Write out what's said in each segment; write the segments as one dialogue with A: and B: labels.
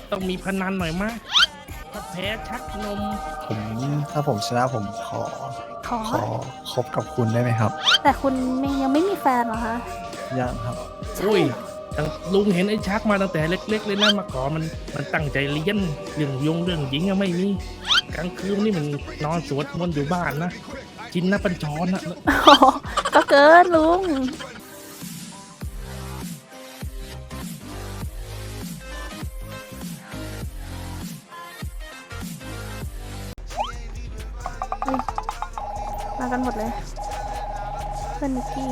A: ต้องมีพนันหน่อยมากถ้าแพ้ชักนม
B: ผมถ้าผมชนะผมขอ
C: ขอ
B: ขอคบกับคุณได้ไหมครับ
C: แต่คุณยังไม่มีแฟนเหรอคะ
B: ยังครับ
A: อุ้ยตั้งลุงเห็นไอ้ชักมาตั้งแต่เล็ก ๆ เลยนะมาก่อนมันตั้งใจเรียนเรื่องหญิงอะไม่มีกลางคืนนี่มันนอนสวดมนต์อยู่บ้านนะกินน้ำปัญชรนะ
C: อ๋อก็เกินลุงอุ๊ยมากันหมดเลย เพื่อนนิกกี้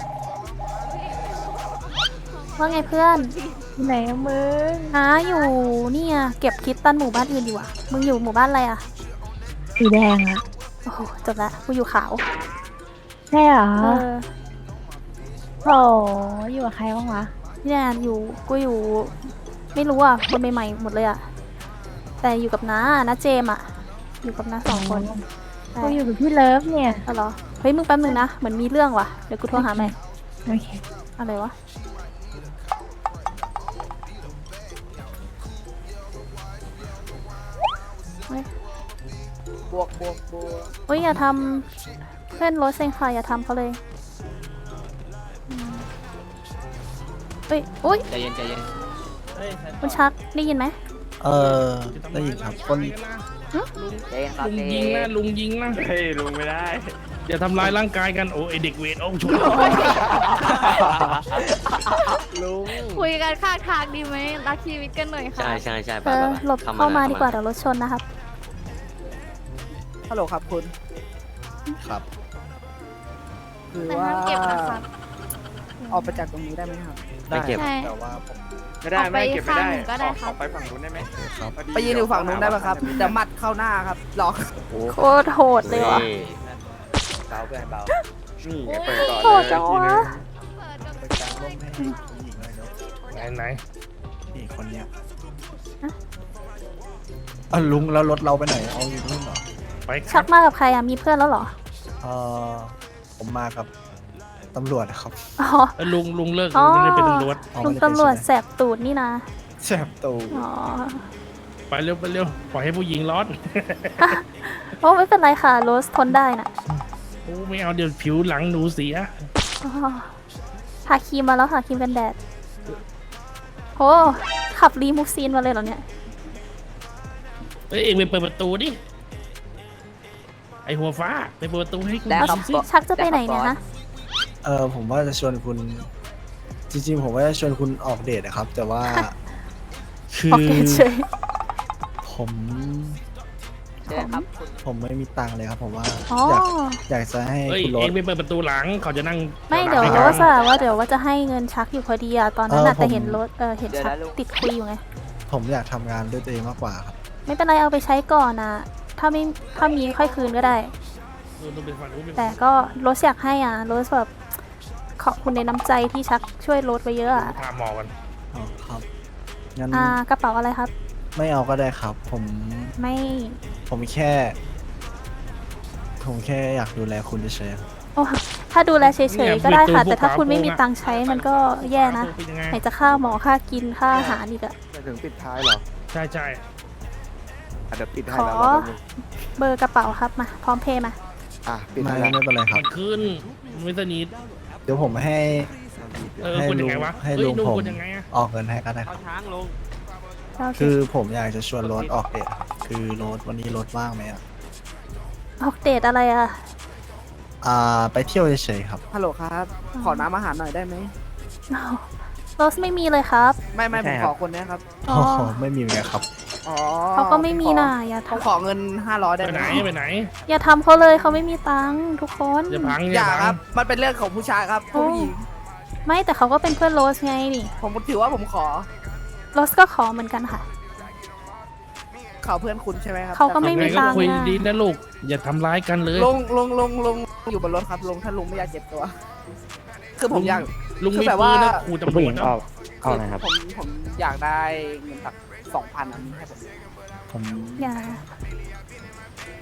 C: ว่าไงเพื่อน
D: ไหนอะมึง
C: อยู่นี่อะเก็บคิดตันหมู่บ้านอื่นอยู่อะมึงอยู่หมู่บ้านอะไรอะ
D: สีแดงอะ
C: โอ้โหจบละกูอยู่ขาว
D: ใช่เหรอ
C: เออ
D: โหอยู่กับใครบ้างวะ
C: นี่แหละกูอยู่ ไม่รู้อ่ะ คนใหม่ๆหมดเลยอ่ะ แต่อยู่กับน้าเจมอ่ะ อยู่กับน้า2 คนใช่
D: กูอยู่กับพี่เลิฟเนี่ย
C: เอาเหรอ เฮ้ยมึงแป๊บนึงนะ เหมือนมีเรื่องว่ะ เดี๋ยวกูโทรหาใหม่
D: โอเค
C: อะไรวะ เฮ้ย
E: บวก
C: เฮ้ยอย่าทำเพื่อนรถเซ็งค่ะอย่าทำเขาเลยอืมเฮ้ยอุ้ย
E: ใจเย็นใจเย็น
C: คุณชักได้ยินไหม
B: เออได้ยินครับคน
E: ใจเย็นครับ
A: ลุงยิงนะลุงยิงนะ
F: เฮ้ยลุงไม่ได้
A: อย่าทำลายร่างกายกันโอ้ไอเด็กเวทโอ้ช่วย
E: ลุง
G: คุยกันข้างทางดีไหมรักชีวิตกันหน่อยค่ะ
E: ใช่
C: เออหลบเข้ามาดีกว่าเดี๋ยวรถชนนะครับ
E: ฮัลโหลครับคุณ
B: ครับ
E: คือ
G: แต่
E: ว่า
G: ห้ามเก็บนะคะ
E: ออกไปจากตรงนี้ได้ไหมครับ
B: ได้
G: ใช่
B: แต่ว่าผม
F: ไม่ได้
G: ออกไป
F: ไม่เก็บไม่ได้
G: ข้างหนึ่งก็ได้
F: ข
G: ครั
F: อบ ไปฝั่งนู้นได้ไหม
B: ครับ
F: พอดี
E: ไปยืนอยู่ฝั่งนู้นได้ไหมครับเดี๋ยวหมัดเข้าหน้าครับหลอก
C: โคตรโหดเลยว่ะ
E: เบาเพื่อนเบา
F: นี่ไงเปิดก่อน
C: โห
F: เลย
C: ดจังวะ
G: เปิดกัน
B: ไปกลางร่มให้ผู้หญิงหน่อยเนาะ
A: ไหน
B: นี่คนเนี้ยลุงแล้วรถเราไปไหนเอาอยู่นู่นเหรอ
A: ไปค
C: ชั
A: รั
C: ก
A: บ
C: มากับใครอ่ะ มีเพื่อนแล้วเหรอ
B: เออผมมากับตำรวจครับ
C: อ๋อ
A: ลุงเลิก
C: อ๋อ
A: ลุงไม่ได้เป็นตำรวจ
B: อ๋อ
C: ลุง
B: ไม่ได้เป็น
C: ตำรวจ
B: ใช่ไหม
C: แสบตูดนี่นะ
B: แสบตู
C: อ๋อ
A: ไปเร็วปล่อยให้ผู้หญิงร้อน
C: โอ้ไม่เป็นไรค่ะ โรสทนได้น่ะ
A: โอ้ไม่เอาเดี๋ยวผิวหลังหนูเสีย
C: อ๋อทาครีมมาแล้วค่ะครีมกันแดดโอ้ขับรีมูฟซีนมาเลยเหรอเนี่ย
A: เอ้ยเองไปเปิดประตูดิไอหัวฟ้าไปเปิดประตูให้กู
E: ได้ครับ
A: สิ
C: ชักจะไปไหนเนี่ยฮะ
B: ผมว่าจะชวนคุณ จริงๆ ผมว่าจะชวนคุณออกเดทนะครับ แต่ว่า คื
C: โอ
B: อ
C: เคเฉย
B: ผม
E: เชิญครับคุณ
B: ผมไม่มีตังค์เลยครับ ผมว่า
C: อ๋อ
B: อยากจะให้
A: เอ้ย
B: คุณร
A: เอ
B: ถ
A: งไปเปิดประตูหลังเขาจะนั่ง
C: ไม่เดี๋ยว
A: ให้
C: โร
A: กัน
C: สอะว่าเดี๋ยวว่าจะให้เงินชักอยู่พอดีอะตอนนั้นอะ
B: ผม
C: แต่เห็นรถเห็นชักติดคุยอยู่ไง
B: ผมอยากทำงานด้วยตัวเองมากกว่าครับ
C: ไม่เป็นไรเอาไปใช้ก่อนนะถ้ามีค่อยคืนก็ได้
A: ต้องไปฝั่งนู้นไป
C: แต่ก็โรสอยากให้อ่ะโรสแบบขอบคุณในน้ำใจที่ชักช่วยโรสไว้เยอะอ่ะ
A: ถามหมอกัน
B: อ๋อครับ งั้น
C: กระเป๋าอะไรครับ
B: ไม่เอาก็ได้ครับ
C: ไม่
B: ผมแค่ ผมแค่อยากดูแลคุณเฉยๆครับ
C: โอ้ถ้าดูแลเฉยๆก็ได้ค่ะ แต่ถ้าคุณไม่มีตังค์ใช้มันก็แย่นะ
A: เป็นยังไง
C: ไหนจะค่าหมอค่ากินค่าอาหารอีกอะ
F: จะถึงปิดท้ายเหรอ
A: ใช่
F: อ่ะเดี๋ยวปิดให้
C: ขอ
F: แล้วเรา
C: เบอร์กระเป๋าครับมาพร้อมเพย์มา
F: อ่ะปิด
B: ไม่
F: ให้แล้ว
B: ไม่เป็นไรครับ
A: มันขึ้นไม่สนิท
B: เดี๋ยวผมให้ ให้
A: คนยั
B: ลุ
A: ง
B: ง
A: ไงวะ
B: ให้
A: เฮ้ย
B: ลุง
A: ลุง
B: ผม
A: คนยังไงอะ
B: ออกเงินให้ก็ได้ครับ
C: โอเค
B: คือผมอยากจะชวนรถออกเดทครับคือรถวันนี้รถว่างไหมอ่ะ
C: ออกเดทอะไรอะ
B: ไปเที่ยวเฉยๆครับ
E: ฮัลโหลครับ ขอน้ำอาหารหน่อยได้ไหม
C: อ้าวโรสไม่มีเลยครับ
E: ไม่ผมขอคนเนี้ยครับ
C: อ๋อ
B: ไม่มีเหมือนกันครับ
E: อ๋อ
C: เขาก็ไม่มีน่ะอย่า
E: ผม
C: ทำ
E: ขอเงิน500ได้
A: ไป
E: ไห
A: ไห
E: ม
A: นไปไหน
C: อย่าทำเขาเลยเขาไม่มีตังค์ทุกคน
A: อย่าพัง
E: อย่า
A: พั
E: ครับ
A: ง
E: มันเป็นเรื่องของผู้ชายครับผู้หญิง
C: ไม่แต่เขาก็เป็นเพื่อนโรสไงนี่
E: ผมถือว่าผมขอ
C: โรสก็ขอเหมือนกันค่ะ
E: เขาเพื่อนคุณใช่ไหมครับ
C: เขาก็ไม่
A: ยังไง
C: มี
A: ก็
C: ตังค์
A: คุย
C: นะ
A: ดีนะลูกอย่าทำร้ายกันเลย
E: ลงอยู่บนรถครับลงถ้าลุงไม่อยากเจ็บตัว คือผมอยาก
A: ลุง
E: คือ
A: มี
E: แบบ
A: ปื
E: ว่า
A: นนะขู่ตำรวจนะ
E: ผมอยากได้เงินสัก2,000อันนี้ให้ผม
B: ผม
C: อย่า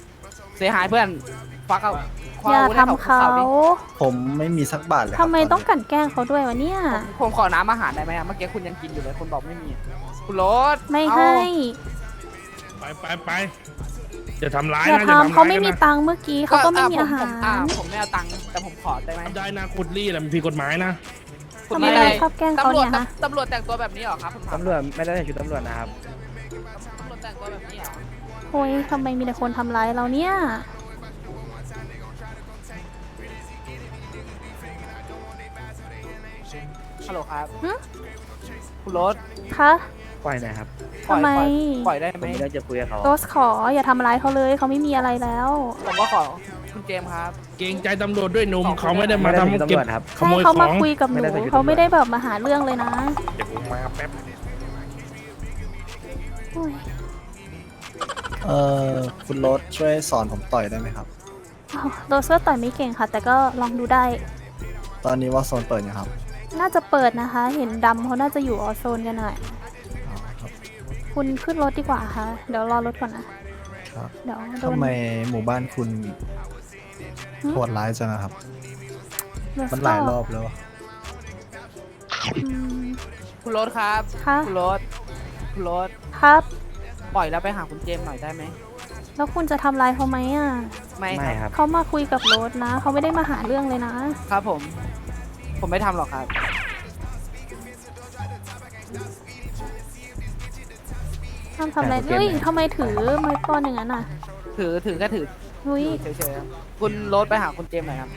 E: เสียหายเพื่อนฟักเอาคว
C: อย่า
E: วุธให้
C: ทำเขา
E: ดิ
B: ผมไม่มีสักบาทเลยครับ
C: ทำไมต้อง
B: นนี้
C: กลั่นแกล้งเขาด้วยวะเนี่ย
E: ผมขอน้ำอาหารได้ไหมอะเมื่อกี้คุณยังกินอยู่เลยคุณบอกไม่มี คุณรถ
C: ไม่
E: เอา
C: ให้
A: ไปจะทำร้าย
C: อย่า
A: นะ
C: ทำ
A: ร้ย
C: เขาไม่มี
A: นะ
C: ตังค์เมื่อกี้เขาก็ไม่มีอาหาร
E: ผมไม่เอาตังค์แต่ผมขอได้ไหม
A: ได้นะขุดลี่แหละมันผิดกฎหมายนะ
E: คุณ
C: ทำไม
E: มีอะ
C: เรา
E: ไร
C: ชอบแกล้งเขา
E: ตำรวจ
C: เนี่ยฮะ
E: ตำรวจแต่งตัวแบบนี้เหรอครับผมถาม
H: ตำรวจไม่ได้ใส่ชุดตำรวจนะครับ
E: ตำรวจแต่งตัวแบบนี้เหรอ
C: โอ้ยทำไมมีแต่คนทำร้ายเราเนี่ย
E: ฮัลโหลครับ
C: หึ
E: คุณรถ
C: คะ
H: ปล่อยหน่อยครับ
E: ปล่อย
C: ทำไม
E: ปล่อยได้
H: ผม
E: ไหม
H: มีเรื่องจะคุยกับเขา
C: โรสขออย่าทำร้ายเขาเลยเขาไม่มีอะไรแล้ว
E: ผมก็ขอคุณเจมส์ครับ
A: เกรงใจตำรวจด้วยหนุ่ม
E: ขอบคุณ
A: เขาไม่ได้
H: ไม่
A: มา
H: ได้ใส่ชุด
A: ทำ
H: ตำ
A: เก็
H: ร
A: บ
H: วจครับ
A: ข
C: ใช่
A: โมย
C: เขา
A: ข
C: มา
A: อง
C: คุยกับห
H: ไม่
C: นู
H: ได้ใส่ชุด
C: เขาไม่ได้แบบมาหาเรื่องเลยนะ
A: เดี๋ยวผมมาแป๊บ
C: โอ้ย
B: คุณรถช่วยสอนผมต่อยได้ไหมครับ
C: อ้าวโรสก็ต่อยไม่เก่งค่ะ แต่ก็ลองดูได้
B: ตอนนี้ว่าโซนเปิดยังครับ
C: น่าจะเปิดนะคะ เห็นดำเขาน่าจะอยู่ออโซนกันหน่อย
B: อ๋อครับ
C: คุณขึ้นรถดีกว่าค่ะ เดี๋ยวรอรถก่อนนะ
B: ครับ
C: เดี๋ยวโด
B: ทำ
C: น
B: ไมหมู่บ้านคุณ
C: หึ
B: โหดร้ายจังอะครับ
C: โรส
B: มันหลายรอบแล้วอะ
C: อืม
E: คุณรถครับ
C: ค่ะ
E: คุณรถคุณรถ
C: ครับ
E: ปล่อยแล้วไปหาคุณเจมส์หน่อยได้ไหม
C: แล้วคุณจะทำร้ายเขาไหมอ่ะ
E: ไม่
H: ไม่
E: ค
H: ครับ รับ
C: เขามาคุยกับรถนะ เขาไม่ได้มาหาเรื่องเลยนะ
E: ครับผม ผมไม่ทำหรอกครับ
C: ทำอะไร
H: แต่เขาเปลี่ยน
C: เฮ้ย
H: ไหม
C: ทำไมถือไม้ก้อนอย่างนั้นอ่ะ
E: ถือก็ถือ
C: นุ้ย
E: เฉยๆครับคุณรถไปหาคุณเจมส์หน่อยครับ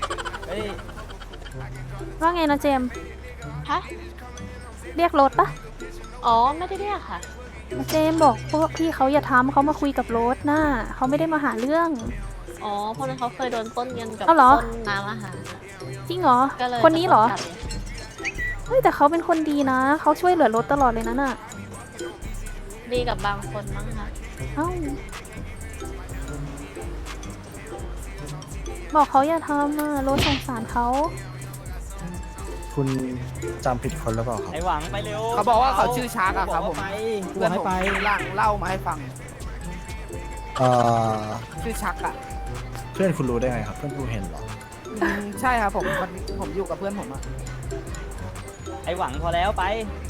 C: ว่าไงนะเจมส์
D: ฮะ
C: เรียกรถปะ
D: อ๋อ ไม่ได้เรียกค่ะ
C: เจมส์บอกพวกพี่เขาอย่าทำเขามาคุยกับรถน่ะเขาไม่ได้มาหาเรื่อง
D: อ๋อ เพราะนั้นเขาเคยโดนปล้นเงินกับ
C: อ้าวเหรอ
D: ปล้นน้ำอาหาร
C: จริงเหรอ
D: ก็เลย
C: คนนี้เหรอ
D: จะต้องจับ
C: เฮ้ยแต่เขาเป็นคนดีนะเขาช่วยเหลือรถตลอดเลยนะน่ะ
D: ดีกับบางคนมั้งคะ
C: เอ้าบอกเขาอย่าทำอ่ะรถสงสารเขา
B: คุณจำผิดคนหรือเปล่าครับ
H: ไอหวังไปเร็ว
E: เขาบอกว่าเขาชื่อชาร์กอะครับผม
H: กู
E: เพื่อน
H: ให้
E: ผม
H: ไป
E: เล่ามาให้ฟัง
B: เอ่อ
E: ชื่อชักอะ
B: เพื่อนคุณรู้ได้ไงครับ เพื่อนคุณเห็นเหรอ
E: ใช่ครับผมอยู่กับเพื่อนผมอะ
H: ไอหวังพอแล้วไป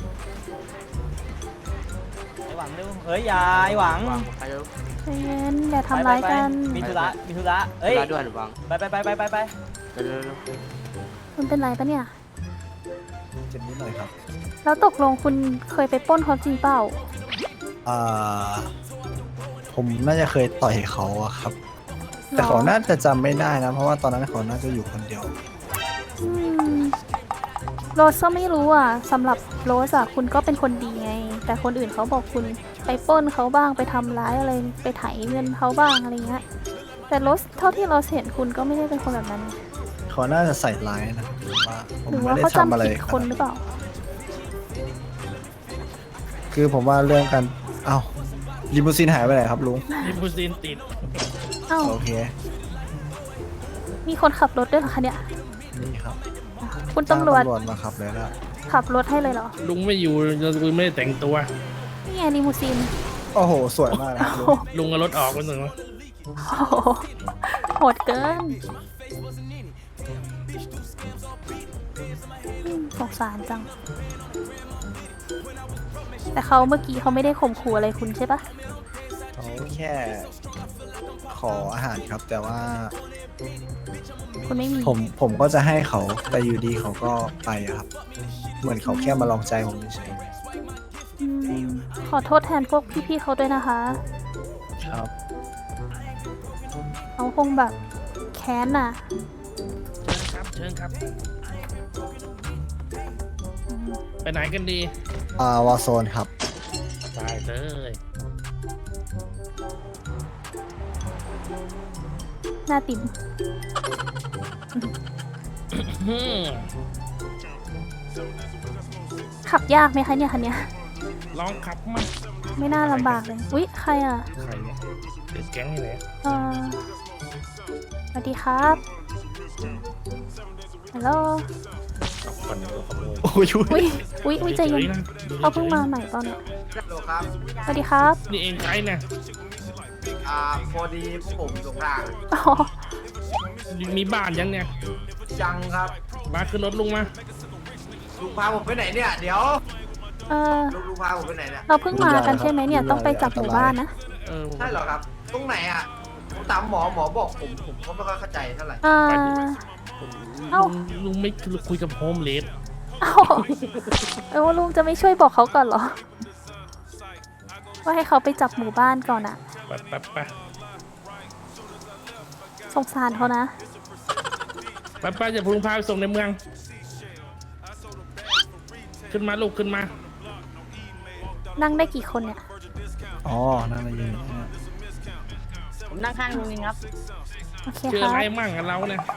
H: ไอหวังเร็ว เฮ้ยอย่าไอหวัง
C: ใจเย็นอย่าทำร้ายกัน
H: มีธุระมีธุระเอ้ย
F: ด่วนหวัง
H: ไป
F: เร็ว
C: คุณเป็นไรปะเนี่ย
B: เจ็บนิดหน่อยครับ
C: แล้วตกลงคุณเคยไปปล้นเขาจริงเปล่า
B: อ่า ผมน่าจะเคยต่อยเขาอะครับ แต่เขาน่าจะจำไม่ได้นะ เพราะว่าตอนนั้นเขาน่าจะอยู่คนเดียว
C: อืมโรสก็ไม่รู้อ่ะสำหรับโรสอะคุณก็เป็นคนดีไง แต่คนอื่นเขาบอกคุณไปปล้นเขาบ้างไปทำร้ายอะไรไปไถเงินเขาบ้างอะไรเงี้ยแต่โรสเท่าที่โรสเห็นคุณก็ไม่ได้เป็นคนแบบนั้น
B: เขาน่าจะใส่ร้ายนะผมว่าผม
C: หรือ
B: ไม่
C: ว่า
B: ได้
C: เขา
B: ทำอะไร
C: จำผิดคนหรือเปล่า
B: คือผมว่าเรื่องการเอ้าลิมูซีนหายไปไหนครับลุง
A: ลิมูซีนติด
C: เอ้า
B: โอเค
C: มีคนขับรถด้วยเหรอคะเนี่ย
B: นี่ครับ
C: คุณตำรวจ
B: จ้างมาขับเลยนะ
C: ขับรถให้เลยเหรอ
A: ลุงไม่อยู่ลุงไม่ได้แต่งตัว
C: นี่ไงลิมูซีน
B: โอ้โห สวยมากนะครับลุง
A: ลุงเอารถออกไปหนึ่ง
C: โอ้โหโหดเกินสงสารจัง แต่เขาเมื่อกี้เขาไม่ได้ข่มขู่อะไรคุณใช่ปะ
B: เขาแค่ขออาหารครับ แต่ว่า
C: คุณไม่มี
B: ผมก็จะให้เขาแต่อยู่ดีเขาก็ไปอะครับ เหมือนเขาแค่มาลองใจผมเฉย
C: อืมขอโทษแทนพวกพี่ๆเขาด้วยนะคะ
B: ๆครับ
C: เขาคงแบบแค้นน่ะ
A: เชิญครับ ไปไหนกันดี
B: วอลโซนครับ
A: ได้เลย
C: หน้าติ่ม
A: อืม
C: ขับยากไหมคะเนี่ยคันเนี้ย
A: ลองขับมา
C: ไม่น่าลำบากเลย อุ๊ย ใครอ่ะ
A: ใครเนี่ยเด็กแก๊งนี่แหละ
C: สวัสดีครับฮัลโหล
A: ก่อนเดี๋ยวเราขโมย
B: โอ้ย
C: อุ๊ยใจเย็น
A: ฉๆะ
C: เขาเพิ่งมาใหม่ตอนเนี้ย
E: ฮัลโหลครับ
C: สวัสดีครับ
A: นี่เองใครเนี่ย
E: ค
I: พอดีพวกผมสงทาง
C: อ๋อ
A: มีบ้านยังเนี่ย
I: ยังครับ
A: มาขึ้นรถลุงมา
I: ลุงพาผมไปไหนเนี่ย เดี๋ยว
C: เออ
I: ลุงพาผมไปไหนเนี่ย
C: เราเพิ่งมากันใช่ไหมเนี่ย ต้องไปจับหมู่บ้านนะ
A: เออ
I: ใช่เหรอครับ ตรงไหนอ่ะผมถามหมอบอกผมก็ไม่ค่อยเข้าใจเท่าไหร่
C: อ่า เอ้า
A: ลุงไม่คุยกับโฮมเลส
C: เอ้าลุงจะไม่ช่วยบอกเขาก่อนเหรอ ว่าให้เขาไปจับหมู่บ้านก่อนอะ
A: ไป
C: สงสารเขานะ
A: ไปอย่าพลุงพาไปส่งในเมือง ขึ้นมาลูกขึ้นมา
C: นั่งได้กี่คนเนี่ย
B: อ๋อ นั่นอะไรอยู่เนี่ย
H: ผมนั่งข้างลุงเองครับ
C: โอเค
A: เจอ
C: ครับ
A: อะไรมั่งกับเราเนี่ย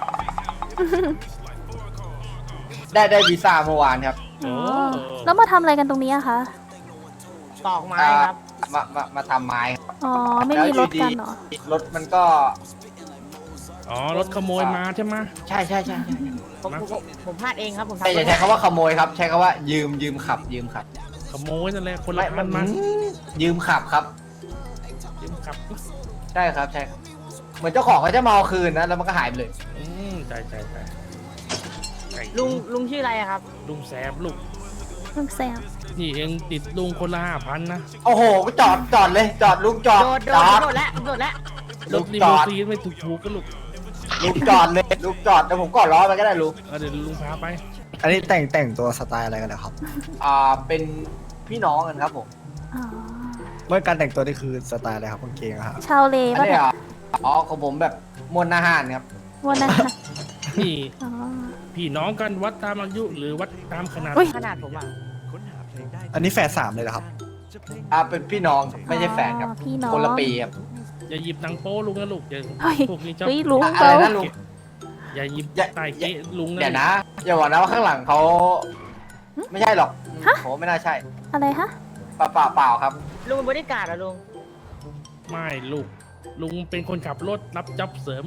I: ได้วีซ่าเมื่อวานครับ
C: อ๋อแล้วมาทำอะไรกันตรงนี้อะคะ
H: ตอกไม้ครับ
I: มาทำไม้ครับ
C: อ๋อ ไม่มีรถกันเหรอ
I: รถมันก็
A: อ๋อรถขโมยมาใช่ไหม
I: ใช่
H: ผมพลาดเองครับผม
I: แต่อย่าใช้คำว่าขโมยครับ ใช้คำว่ายืมขับ
A: ขโมยนั่นแหละคนละพันมา
I: ยืมขับครับ
A: ยืมขับ
I: ใช่ครับ เหมือนเจ้าของเขาจะมาเอาคืนนะ แล้วมันก็หายไปเลย
A: ใช่ไก่
H: ลุงชื่ออะไรครับ
A: ลุงแซมลูก
C: ลุงแซม
A: นี่เองติดลุงคนละ5,000นะ
I: โอ้โหจอดเลย จอดลุงจอด
H: โดดแล้ว
A: รถลีโมซีนไม่ถูกกันลูก
I: ลุงจอดเลยลุงจอดเดี๋ยวผมก่อนล้อไปก็ได้ลุง
A: เดี๋ยวลุงพาไป
B: อันนี้แต่งตัวสไตล์อะไรกันนะครับ
I: เป็นพี่น้องกันครับผม
C: อ๋อ
B: เมื่อการแต่งตัวนี่คือสไตล์อะไรครับกางเกงอะครับ
C: ชาวเล
I: อัน
C: ป่ะ
I: นี้
C: เนี่ย
I: ของผมแบบมวลอาหารครับ
C: วันนั้น
A: นี่
C: อ๋อ
A: พี่น้องกันวัดตามอายุหรือวัดตามขนาด
C: อุ๊ย
H: ขนาดผมอ่ะ
B: อันนี้แฝด3เลยเหรอครับ
I: เป็นพี่น้องครับไม่ใช่แฟนครับ
C: อ๋อพี่น้อง
I: คนละปีครับ
A: อย่าหยิบหนังโป้ลุงนะลูกอย่า
C: เฮ้ย
A: พวกนี้ชอบ
C: เฮ้ยลุง
I: อะไร
C: เขา
I: นะลุง
A: อย่าหยิบ
I: อย่า
A: ใต้เก๊ะลุงนะ
I: เดี๋ยวนะ อย่าบอกนะว่าข้างหลังเขาไม่ใช่หรอกโหไม่น่าใช่
C: อะไรฮะ
I: เปล่าครับ
H: ลุงเป็นบริการเหรอลุง
A: ไม่ลูกลุงเป็นคนขับรถรับจ็อบเสริม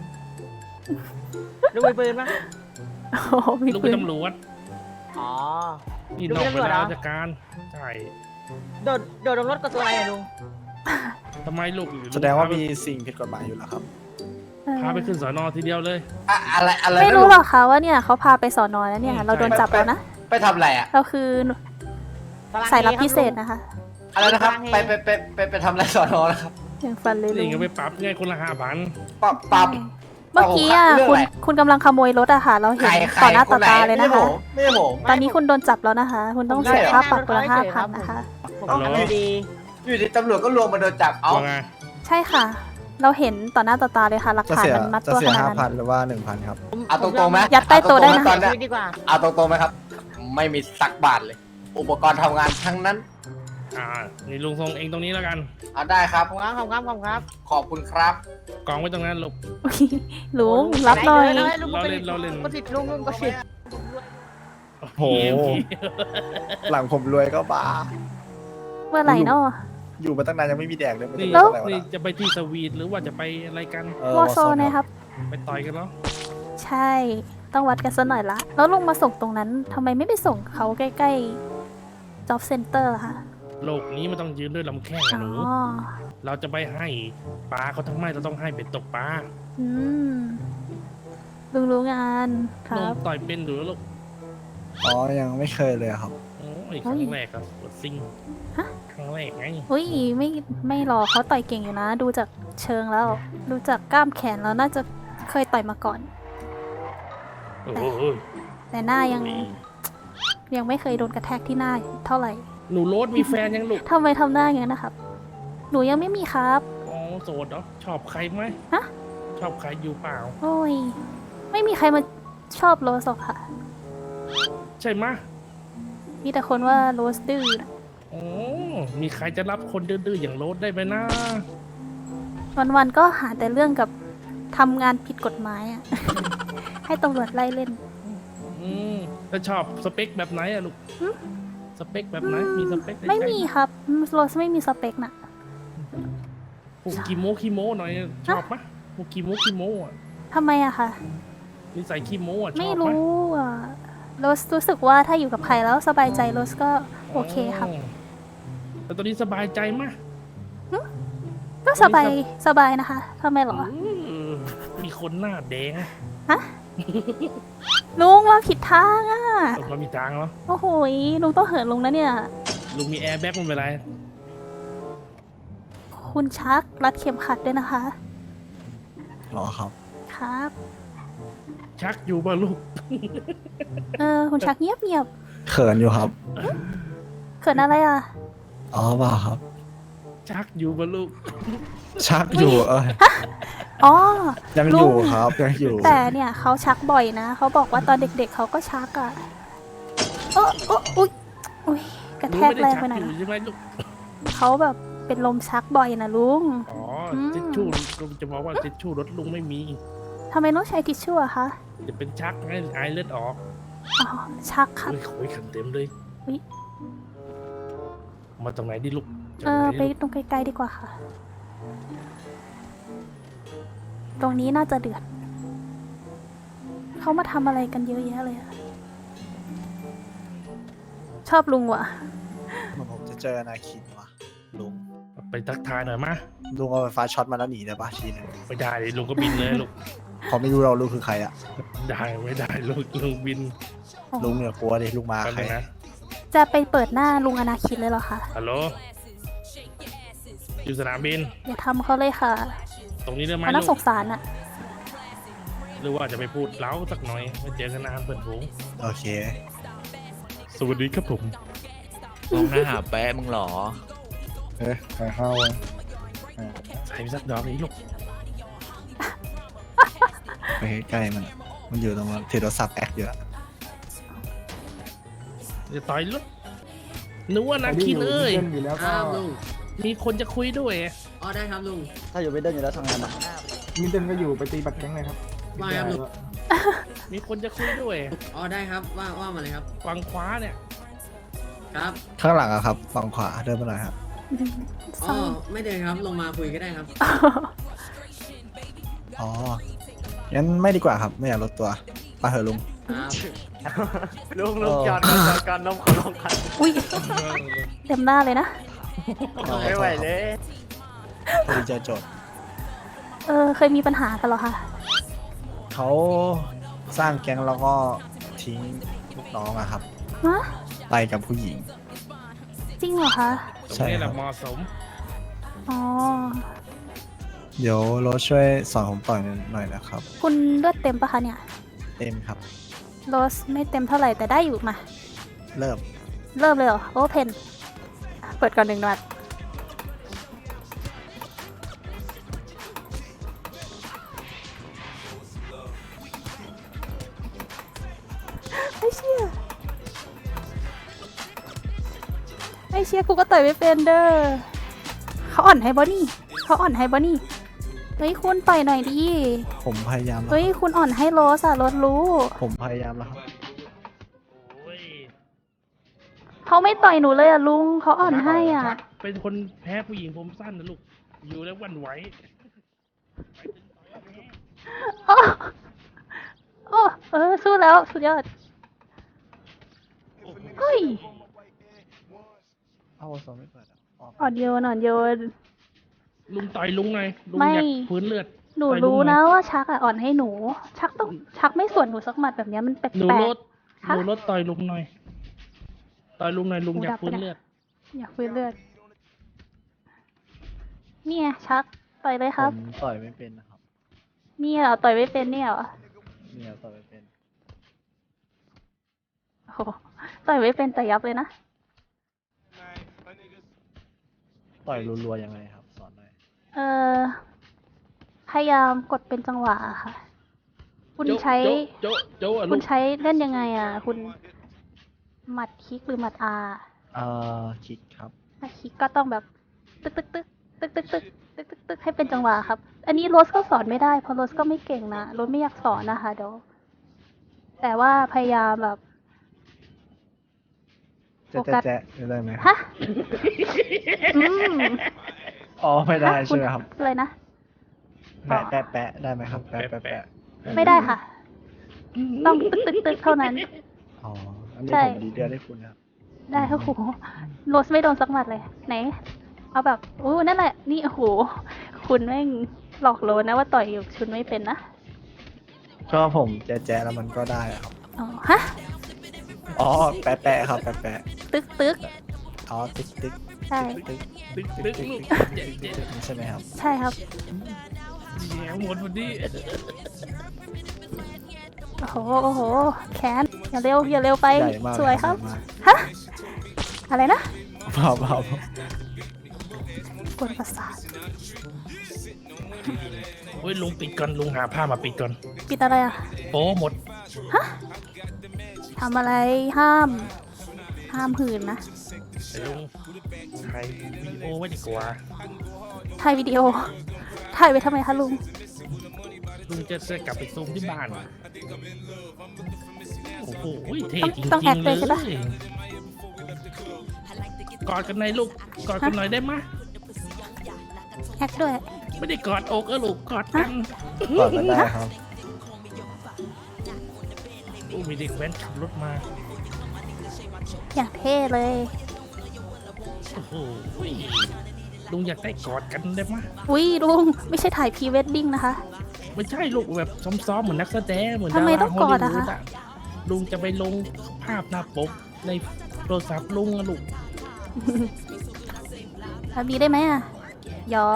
H: ลุงมีปืนปะ
C: โอ้โหมี
A: ลุง
C: ปื
A: เป็น
C: น
A: ตำรวจ
H: อ๋อ
A: นี่
H: ลุง
A: นอก
H: เป็น
A: เว
H: ตำรวจเหร
A: ลา
H: อ
A: ราชการใช่
H: โดดลงรถกับตัวอะไรอะลุง
A: ทำไมลูก
B: แสดงว่ามีสิ่งผิดกฎหมายอยู่แล้วครับ
A: พาไปขึ้นสอนอทีเดียวเลย
I: อะไร
C: ไม่
I: นะ
C: รู้
I: ลุง
C: หรอกคะว่าเนี่ยเขาพาไปสอนอแล้วเนี่ย เราโดนจับแล้วนะ
I: ไปทำอะไรอะ
C: เราคือสายลับพิเศษนะคะ
I: อะไรนะครับไปทำอะไรสอนอแล้วครับ
C: อย่างฟันเลยลุ
A: นี่
C: ง
A: ก็ไปปรับไงคนละ5,000
I: ปรับ
C: เมื่อกี้อ่ะ
I: เรื่อง
C: คุณ
I: อะไร
C: คุณกำลังขโมยรถอะค่ะ เราเห็น
I: ใคร
C: ต่อหน้า
I: ค
C: ต่อน
I: ไหน
C: ตาเลยนะคะ
I: ไม่ใช่ผม
C: ตอนนี้คุณโดนจับแล้วนะคะ คุณต้องเสียค่าปรับคนละ5,000นะคะ
H: ผมทำดี
I: อยู่ดีตำรวจก็รวมมาโดนจับ เอา
A: ว่าไง
C: ใช่ค่ะ เราเห็นต่อหน้าต่อตาเลยค่ะ หลัก
B: จะ
C: ฐาน
B: เสีย
C: มันมัด
B: จะ
C: ตัว
B: เสี
C: ข
B: ย
C: นาดนั้น
B: 5,000หรือว่า 1,000 ครับ
I: เอาตรงๆไหม
C: ยัดใต้โต๊ะได้นะ
I: เอาตรงๆหมตอน
H: ชี
I: เนี้ย
H: วิตดีกว่า
I: เอาตรงๆไหมครับ ไม่มีสักบาทเลย อุปกรณ์ทำงานทั้งนั้น
A: นี่ลุงส่งเองตรงนี้แล้วกัน
I: เอาได้ครับ
H: ขอบคุณครับ
I: ขอบคุณครับ
A: กองไว้ตรงนั้นลูก
C: ลุงรับหน่อย
H: ลุงก็ผิดลุงก็ผิด
A: โอ้
B: โห หลังผมรวยก็บ้า
C: เมื่อไหร่เนาะ
B: อยู่มาตั้งนานยังไม่มีแดกเลยไม่
A: นี่
B: รู้อะไรวะ
A: นี่จะไปที่สวีทหรือว่าจะไปอะไรกัน
C: วอโซนะครับ
A: ไปต่อยกันเหรอ
C: ใช่ ต้องวัดกันซะหน่อยละ แล้วลุงมาส่งตรงนั้นทำไมไม่ไปส่งเขาใกล้ๆ job center ล่ะคะ
A: โลกนี้มันต้องยืนด้วยลำแข้ง
C: อ๋
A: อะหนู
C: อ
A: เราจะไปให้ปลาเขาทั้งไม่เราต้องให้เป็ดตกปลา
C: อืม ลุงรู้งานค
A: ลุ
C: รั
A: ง
C: บ
A: ต่อยเป็นหรือลูก
B: อ๋อ ยังไม่เคยเลยครับ
A: โอ้ยครั้งแรกครับกดซิง
C: ฮะ
A: ครั้งแรกไง
C: อุ้ยไม่หรอกเขาต่อยเก่งอยู่นะ ดูจากเชิงแล้ว ดูจากกล้ามแขนแล้วน่าจะเคยต่อยมาก่อน
A: โอ้โห
C: แต่หน้ายังไม่เคยโดนกระแทกที่หน้าเท่าไหร่
A: หนูโรสมีแฟนยังลูก
C: ทำไมทำหน้าอย่างนั้นนะครับ หนูยังไม่มีครับ
A: อ๋อโสดเหรอชอบใครไหม
C: ฮะ
A: ชอบใครอยู่เปล่า
C: โอ้ย ไม่มีใครมาชอบโรสหรอกค่ะ
A: ใช่ไหมะ
C: มีแต่คนว่าโรสดื้อนะ
A: โอ้มีใครจะรับคนดื้อๆอย่างโรสได้ไหมนะ
C: วันๆก็หาแต่เรื่องกับทำงานผิดกฎหมายอ่ะ ให้ตำรวจไล่เล่น
A: แล้วชอบสเปคแบบไหนอะลูก
C: หึ
A: สเปคแบบไหนมีสเปคในใจ
C: ไม่มีครับโรสไม่มีสเปคน่ะ
A: พวกคีโมหน่อยชอบไหมะพวกคีโมอ่ะ
C: ทำไมอะคะ
A: นิสัยคีโมอ่ะช
C: ไม่
A: อบไหม
C: รู้อ่ะโรสรู้สึกว่าถ้าอยู่กับใครแล้วสบายใจโรสก็โอเคครับ
A: แต่ตอนนี้สบายใจมะ
C: กก็สบายสบายนะคะทำไมเหรอ
A: มีคนหน้าแดง
C: ลุงเราผิดทางอ่ะ
A: เรามีทางเหรอ
C: โอ้โหยลุงต้องเหินลุงนะเนี่ย
A: ลุงมีแอร์แบ็กมันเป็นไร
C: คุณชักรัดเข็มขัดด้วยนะคะ
B: หรอครับ
C: ครับ
A: ชักอยู่ป่ะลูก
C: คุณชักเงียบ
B: เขินอยู่ครับ
C: เขินอะไรอ่ะ
B: อ๋อเปล่าครับ
A: ชักอยู่ป่ะลูก
B: ชักอยู่
C: อ๋อ
B: ยังอยู่ครับยังอยู่
C: แต่เนี่ยเขาชักบ่อยนะ เขาบอกว่าตอนเด็กๆเขาก็ชักอ่ะอุ๊ยกระแทกแรงไปหน่อย
A: ลุง
C: นะ
A: ไม่ได้ชักอยู่ใช่ไหมลูก
C: เขาแบบเป็นลมชักบ่อยนะลุง
A: อ๋อ
C: ม
A: ทิชชู่ลุงจะบอกว่าทิชชู่รถลุงไม่มี
C: ทำไมต้องใช้ทิชชู่อะคะ
A: จะเป็นชักไงไอเลือดออก
C: อ๋อ ชักครับ
A: โอ้ยโอ้ยขันเต็มเลย
C: อุ๊ย
A: มาตรงไหนดิลูกจาก
C: ไป
A: ไหนลูก
C: ตรงไกลๆดีกว่าค่ะ ตรงนี้น่าจะเดือด เขามาทำอะไรกันเยอะแยะเลยอะชอบลุงว่ะ
B: เหมือนผมจะเจออนาคินว่ะลุง
A: ไปทักทายหน่อยมา
B: ลุงเอาไฟฟ้าช็อตมาแล้วหนีได้ปะทีนึง
A: ไม่ได้ดิลุงก็บินเลยลูก
B: เขาไม่รู้เราลุงคือใครอะ
A: ได้ไม่ได้ลูกลุงบิน
B: ลุงเนี่ยกลัวดิลุงมา
A: กัน
B: ใคร
A: เลยนะ
C: จะไปเปิดหน้าลุงอนาคินเลยเหรอคะ
A: ฮัลโหลอยู่สนามบิน
C: อย่าทำเขาเลยค่ะ
A: ตรงนี้ได้ไหม
C: เขาน่า
A: ลู
C: ส
A: ก
C: งสารอะ
A: หรือว่าจะไปพูดเล้าสักหน่อยไม่เจอกันนานเพื่อนฝูง
B: โอเค
A: สวัสดีครับผม
J: ลงหน้าหาแป๊ะมึงเหรอ
B: เฮ้ยใครเข้า
A: ใส่สักดอกนี้ลูก
B: ไปใกล้ๆมันอยู่ตรงถือโทรศัพท์แอคเยอะ
A: จะต่อยลูกนึกว่านักคินเอ้ย
J: ครับลุง
A: มีคนจะคุยด้วย
J: อ๋อได้ครับลุง
B: ถ้าอยู่ไม่เดินอยู่แล้วทำงานหรอ
K: มินเต้นก็อยู่ไปตีบัตรแข้งเลยครับ
J: ว่าครับลุง
A: มีคนจะคุยด้วย
J: อ๋อได้ครับว่ามาเลยครับ
A: ฝั่งขวาเนี่ย
J: ครับ
B: ข้างหลังอะครับฝั่งขวาเดินมาหน่อยครับ
J: อ๋อไม่เดินครับลงมาคุยก็ได้ครับ
B: อ๋อ งั้นไม่ดีกว่าครับ ไม่อยากลดตัวไปเถอะลุง
J: ครับ
I: ลุงจอดก่อนนมขอลงกัน
C: อุ้ยเต็มหน้าเลยนะ
I: ไม่ไหวเลย
B: พอดีเจอโจทย์
C: เคยมีปัญหากันเหรอคะ
B: เขาสร้างแก๊งแล้วก็ทิ้งลูกน้องอะครับ
C: ฮะ
B: ไปกับผู้หญิง
C: จริงเหรอคะ
A: ตรง
B: ใช่
A: นี้แห
B: ครั
A: ละ
B: บ
A: เหมาะสม
C: อ๋อ
B: เดี๋ยวโรสช่วยสอนผมต่อยหน่อยนะครับ
C: คุณเลือดเต็มปะคะเนี่ย
B: เต็มครับ
C: โรสไม่เต็มเท่าไหร่แต่ได้อยู่มา
B: เริ่ม
C: เริ่มเลยเหรอโอเพนเปิดก่อน1 นัดไม่เชื่อกูก็ต่อยไม่เป็นเด้อเขาอ่อนให้บอนี่เฮ้ยคุณต่อยหน่อยดิ
B: ผมพยายามแล้ว
C: เฮ้ยคุณอ่อนให้โรสอะโรสรู้
B: ผมพยายามแล้วครับ
A: โอ้ย
C: เขาไม่ต่อยหนูเลยอะลุงเขาอ่อนให้อ่ะ
A: ชักเป็นคนแพ้ผู้หญิงผมสั้นนะลูก อยู่แล้วหวันไหว
C: โอ้สู้แล้วสุดยอดเฮ้ย
B: เอาสอนไม่เปิดอะออก
C: อ่อนโยน
A: ลุงต่อยลุงไงลุง
C: ไม่
A: อยากพื้นเลือด
C: หนู
A: ต่อยลุง
C: รู้
A: หน่
C: นะ
A: อย
C: ว่าชักอ่ะอ่อนให้หนู ชักไม่ส่วนหนูสักหมัดแบบเนี้ยมันแปล
A: หนู
C: ก
A: รถ
C: ฮะ
A: หนูรถต่อยลุงหน่อย ต่อยลุงหน่อยลุง
C: หู
A: อยา
C: ดั
A: ก
C: บ
A: พื้น
C: ไปแล้ว
A: เลือด
C: อยากฟื้นเลือดเนี่ยชักต่อยเลยครับ
B: ผมต่อยไม่เป็นนะครับ
C: เนี่ยเหรอต่อยไม่เป็นเนี่ยเหรอ
B: เนี่ยต่อยไม่เป็น
C: โอ้โหต่อยไม่เป็นแต่ยับเลยนะ
B: ต่อยรัวๆยังไงครับ สอนหน่อย
C: พยายามกดเป็นจังหวะอะค่ะ คุณใช้
A: โจ๊ะโจ๊ะอะ
C: คุ
A: ลู
C: ณ
A: ก
C: ใช้เล่นยังไงอ่ะ คุณหมัดคลิกหรือหมัดอา
B: คิกครับ
C: หมัดคลิกก็ต้องแบบตึกตึกตึกตึกตึกตึกตึกตึกตึกให้เป็นจังหวะครับ อันนี้โรสก็สอนไม่ได้เพราะโรสก็ไม่เก่งนะโรสไม่อยากสอนนะคะเดี๋ยวแต่ว่าพยายามแบบ โฟกัส
B: แจ๊ะได้ไหม
C: ฮะอืม
B: อ๋อไม่ได้
C: ฮะ
B: ใช่ไหมครับ
C: เลยนะ
B: แปะแปะได้ไหมครับ แปะแปะ
C: ไม่ได้ค่ะ ต้องตึกตึกตึกเท่านั้น
B: อ๋อ อันนี้
C: ใช่
B: ผมดีเดือนให้คุณครับ
C: ได้โอ้โหโรสไม่โดนสักหมัดเลยไหน เอาแบบโอ้นั่นแหละนี่โอ้โหคุณแม่งหลอกโลนะว่าต่อยอยู่ชุนไม่เป็นนะ
B: ก็ผมแจ๊ะๆแล้วมันก็ได้อะครับ
C: อ๋อฮะ
B: อ๋อแปะๆครับแปะ
C: ตึกตึก
B: ๆอ๋อติ๊กติ๊ก
C: ใช่
B: ติ๊ก
A: ตึกตึกลูกเจ๊เจ๊
B: ใช่ไหมครับ
C: ใช่ครับ
A: แย่หมดวันนี้
C: โอ้โหโอ้โหแขนอย่าเร็วอย่าเร็วไป
B: ใหญ่มาก
C: สวยครับ
B: ใหญ่มาก
C: ฮะอะไรนะ
B: เปล่าเปล่าก
C: วนประสาท
A: โอ้ยลุงปิดก่อนลุงหาผ้ามาปิดก่อน
C: ปิดอะไรอ่ะ
A: โอ้หมด
C: ทำอะไรห้ามหืนนะ
A: ลุงถ่ายวีดีโอไว้ดีกว่า
C: ถ่ายวิดีโอถ่ายไปทำไมคะลุง
A: ลุงจะกลับไปซูมที่บ้านโอ้โหเท่จริง
C: ต้องแอค
A: ๆ
C: เล
A: เลย
C: ใช่ปะ
A: กอดกันหน่อยลูกกอดกันหน่อยได้ไหมย
C: แอคด้วย
A: ไม่ได้กอดอกลูกกอดกัน
B: ก่อนก็ได้ครับ
A: โอ้มีเด็กแว้นขับรถมา
C: อย่างเท่เลย
A: โอ้โหลุงอยากได้กอดกันได้ไหมย
C: อุ้ยลุงไม่ใช่ถ่ายพรีเวดดิ้งนะคะ
A: ไม่ใช่ลูกแบบซ้อมๆเหมือนนักแสดงเหมือน
C: ทำไม
A: ดารา
C: ต้องกอดอะ
A: ฮลลีวู
C: คะ
A: ลุงจะไปลงภาพหน้าปกในโทรศัพท์ลุงอะลูก
C: แบบนี้ได้ไหมอ่ะหยอก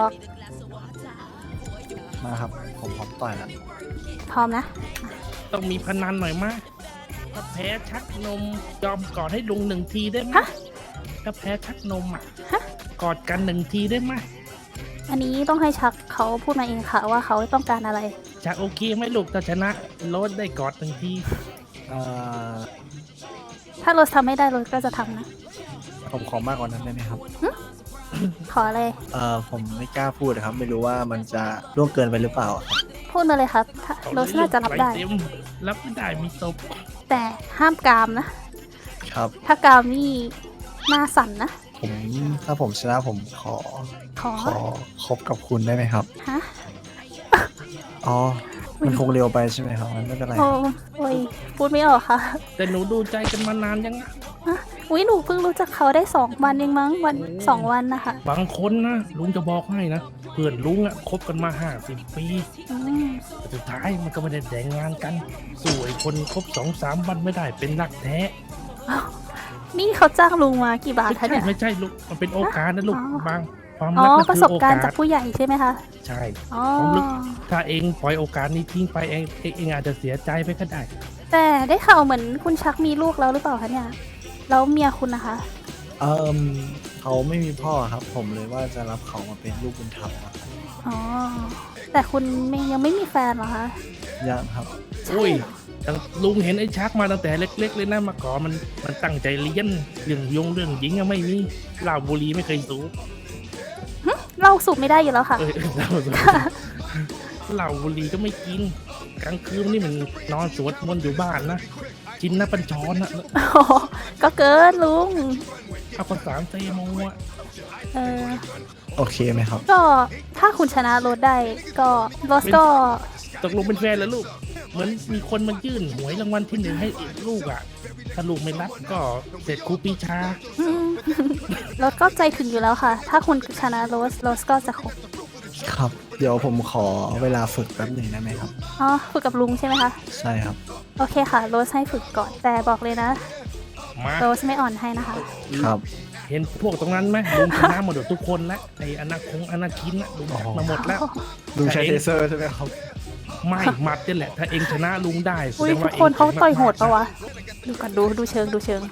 B: มาครับ ผมพร้อมต่อยแล้ว
C: พร้อมนะ
A: ต้องมีพนันหน่อยมะถ้าแพ้ชักนมยอมกอดให้ลุง1 ทีได้ไหม
C: ฮะ
A: ถ้าแพ้ชักนมอ่ะ
C: ฮะ
A: กอดกัน1 ทีได้ไหม
C: อันนี้ต้องให้ชักเขาพูดมาเองค่ะว่าเขาต้องการอะไร
A: ชักโอเคไหมลูกถ้าชนะโรสได้กอด1 ที
B: เอ่อ
C: ถ้าโรสทำไม่ได้โรสก็จะทำนะ
B: ผมขอมากกว่านั้นได้ไหมครับ
C: ขอเลย
B: ผมไม่กล้าพูดนะครับ ไม่รู้ว่ามันจะล่วงเกินไปหรือเปล่าครับ
C: พูดมาเลยครับถ้าโรสน่าจะรับได้
A: เต็มรับไม่ได้มีตบ
C: แต่ห้ามกามนะ
B: ครับ
C: ถ้ากามนี่หน้าสั่นนะ
B: ถ้าผมชนะผมขอ
C: ขอ
B: คบกับคุณได้ไหมครับ
C: ฮะ
B: อ๋อ มันคงเร็วไปใช่ไหมครับมันไม่เป็นไร
C: โอ้ยพูดไม่ออกค่ะ
A: แต่หนูดูใจกันมานานยังอะ
C: อุ้ยหนูเพิ่งรู้จักเขาได้2 วันเองมั้ง2 วันนะคะ
A: บางคนนะลุงจะบอกให้นะเพื่อนลุงอะคบกันมา50 ปี
C: อืม
A: แต่สุดท้ายมันก็ไม่ได้แต่งงานกันสวยคนคบ2-3 วันไม่ได้เป็นรักแท้
C: นี่เขาจ้างลุงมากี่บาท
A: ไม่
C: คะ
A: ใช่
C: เนี่ย
A: ไม่ใช่ลูกมันเป็นโอกาสนะลูก
C: อ๋อ
A: บางความ
C: อ๋อ
A: รัก
C: ประ
A: นะ
C: ส
A: คื
C: บ
A: อโอ
C: การ
A: กา
C: ณ์
A: ส
C: จากผู้ใหญ่ใช่ไหมคะ
A: ใช่
C: อ๋อ
A: ความลึก ถ้าเองปล่อยโอกาสนี้ทิ้งไปเองอาจจะเสียใจไปก็ได้
C: แต่ได้ข่าวเหมือนคุณชักมีลูกแล้วหรือเปล่าคะเนี่ยแล้วเมียคุณนะคะ
B: เขาไม่มีพ่อครับ ผมเลยว่าจะรับเขามาเป็นลูกบุญธรรมอะครับ
C: อ๋อแต่คุณยังไม่มีแฟนเหรอคะ
B: ยังครับ
A: อุ้ยลุงเห็นไอ้ชักมาตั้งแต่เล็ก ๆ เลยนะมาก่อนมันตั้งใจเรียนเรื่องหญิงอะไม่มีเหล้าบุหรี่ไม่เคยสูบ
C: เราสูบไม่ได้อยู่แล้วค่ะ
A: เหล้าสูบเหล้าบุหรี่ก็ไม่กินกลางคืนนี่มันนอนสวดมนต์อยู่บ้านนะกินน้ำปัญชรนะ
C: โอ้โหก็เกินลุง
A: เอาภาษาเซโมอะ
C: เออ
B: โอเคไหมครับ
C: ก็ถ้าคุณชนะโรสได้ก็โรสก็
A: ตกลงเป็นแฟนแล้วลูกเหมือนมีคนมายื่นหวยรางวัลที่1ให้ลูกอ่ะถ้าลูกไม่รับก็เสร็จครูปีชา
C: อืม โรสก็ใจถึงอยู่แล้วค่ะ ถ้าคุณชนะโรสก็จะคบ
B: ครับ เดี๋ยวผมขอเวลาฝึกแป๊บหนึ่งได้ไหมครับ
C: อ๋อฝึกกับลุงใช่ไหมคะ
B: ใช่ครับ
C: โอเคค่ะโรสให้ฝึกก่อนแต่บอกเลยนะ
A: มา
C: โรสไม่อ่อนให้นะคะ
B: ครับ
A: เห็นพวกตรงนั้นไหมลุงชนะหมดทุกคนแล้วไอ้อนาคินน่ะลุงจัดมาหมดแล้ว
B: ลุงใช้เทเซอร์ใช่ไหมครับ
A: ไม่หมัดนี่แหละ ถ้าเองชนะลุงได้แส
C: อุ้ย
A: ดง
C: ทุ
A: ว่าก
C: คนเขา
A: ง
C: ต่อยโหดปะวะ ดูก่อนดูเชิงดูเชิง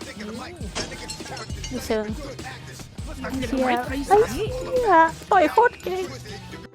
A: มันจะ
C: เชีย
A: ไว้
C: ร์
A: ไทย
C: ไอ้
A: สัน
C: เชี่ยต่อยโคตรเก่ง